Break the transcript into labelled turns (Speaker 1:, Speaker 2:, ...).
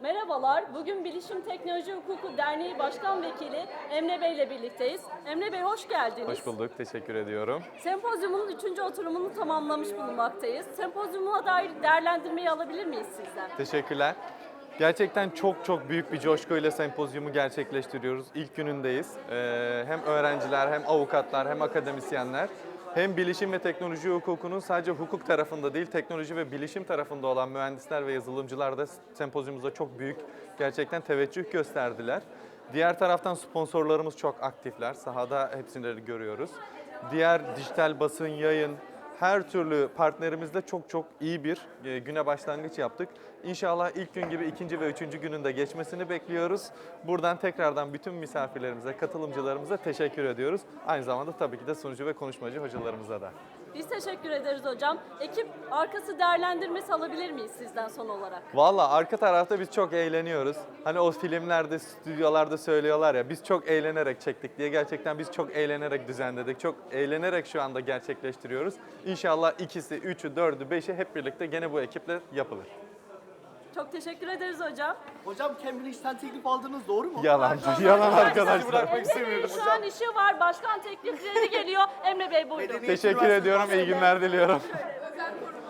Speaker 1: Merhabalar, bugün Bilişim Teknoloji Hukuku Derneği Başkan Vekili Emre Bey ile birlikteyiz. Emre Bey hoş geldiniz.
Speaker 2: Hoş bulduk, teşekkür ediyorum.
Speaker 1: Sempozyumun 3. oturumunu tamamlamış bulunmaktayız. Sempozyuma dair değerlendirmeyi alabilir miyiz sizden?
Speaker 2: Teşekkürler. Gerçekten çok büyük bir coşkuyla sempozyumu gerçekleştiriyoruz. İlk günündeyiz. Hem öğrenciler, hem avukatlar, hem akademisyenler, hem bilişim ve teknoloji hukukunun sadece hukuk tarafında değil, teknoloji ve bilişim tarafında olan mühendisler ve yazılımcılar da sempozyumumuza çok büyük gerçekten teveccüh gösterdiler. Diğer taraftan sponsorlarımız çok aktifler. Sahada hepsini görüyoruz. Diğer dijital basın, yayın, her türlü partnerimizle çok iyi bir güne başlangıç yaptık. İnşallah ilk gün gibi ikinci ve üçüncü günün de geçmesini bekliyoruz. Buradan tekrardan bütün misafirlerimize, katılımcılarımıza teşekkür ediyoruz. Aynı zamanda tabii ki de sunucu ve konuşmacı hocalarımıza da.
Speaker 1: Biz teşekkür ederiz hocam. Ekip arkası değerlendirmesi alabilir miyiz sizden son olarak?
Speaker 2: Valla arka tarafta biz çok eğleniyoruz. Hani o filmlerde, stüdyolarda söylüyorlar ya biz çok eğlenerek çektik diye. Gerçekten biz çok eğlenerek düzenledik. Çok eğlenerek şu anda gerçekleştiriyoruz. İnşallah ikisi, üçü, dördü, beşi hep birlikte gene bu ekiple yapılır.
Speaker 1: Çok teşekkür ederiz hocam.
Speaker 3: Hocam Cambridge'den teklif aldınız doğru mu?
Speaker 2: Yalan, yalan arkadaşlar.
Speaker 1: Emre Bey'in şu an işi var. Başkan teklifleri geliyor. Emre Bey buyurun.
Speaker 2: Teşekkür ediyorum, iyi günler diliyorum.
Speaker 3: Özel